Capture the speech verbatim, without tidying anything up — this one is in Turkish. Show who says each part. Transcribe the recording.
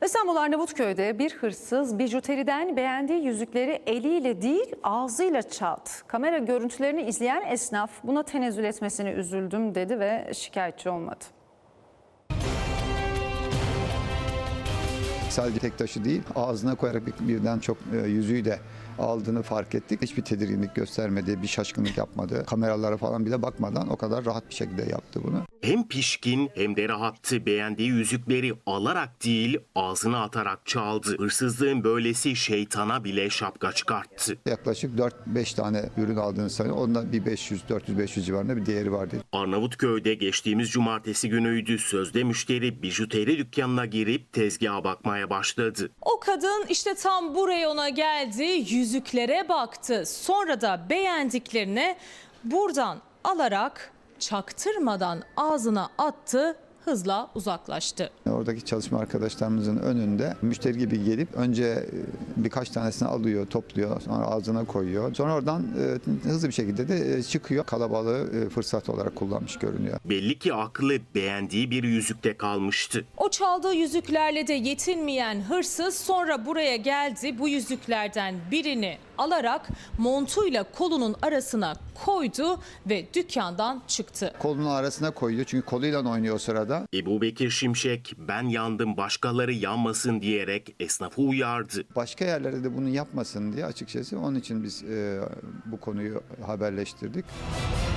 Speaker 1: İstanbul Arnavutköy'de bir hırsız bijuteriden beğendiği yüzükleri eliyle değil ağzıyla çaldı. Kamera görüntülerini izleyen esnaf buna tenezzül etmesine üzüldüm dedi ve şikayetçi olmadı.
Speaker 2: Sadece tek taşı değil, ağzına koyarak birden çok yüzüğü de aldığını fark ettik. Hiçbir tedirginlik göstermedi, bir şaşkınlık yapmadı. Kameralara falan bile bakmadan o kadar rahat bir şekilde yaptı bunu.
Speaker 3: Hem pişkin hem de rahattı. Beğendiği yüzükleri alarak değil ağzına atarak çaldı. Hırsızlığın böylesi şeytana bile şapka çıkarttı.
Speaker 2: Yaklaşık dört beş tane ürün aldığını sanıyorum. Onda bir beş yüz dört yüz beş yüz civarında bir değeri vardı.
Speaker 3: Arnavutköy'de geçtiğimiz cumartesi günüydü. Sözde müşteri bijuteri dükkanına girip tezgaha bakmaya başladı.
Speaker 4: O kadın işte tam bu reyona geldi, yüzüklere baktı. Sonra da beğendiklerini buradan alarak çaktırmadan ağzına attı, hızla uzaklaştı.
Speaker 2: Oradaki çalışma arkadaşlarımızın önünde müşteri gibi gelip önce birkaç tanesini alıyor, topluyor, sonra ağzına koyuyor. Sonra oradan hızlı bir şekilde de çıkıyor. Kalabalığı fırsat olarak kullanmış görünüyor.
Speaker 3: Belli ki aklı beğendiği bir yüzükte kalmıştı.
Speaker 4: O çaldığı yüzüklerle de yetinmeyen hırsız sonra buraya geldi. Bu yüzüklerden birini alarak montuyla kolunun arasına koydu ve dükkandan çıktı.
Speaker 2: Kolunun arasına koyuyor çünkü koluyla oynuyor o sırada.
Speaker 3: Ebubekir Şimşek ben yandım başkaları yanmasın diyerek esnafı uyardı.
Speaker 2: Başka yerlerde de bunu yapmasın diye açıkçası onun için biz e, bu konuyu haberleştirdik.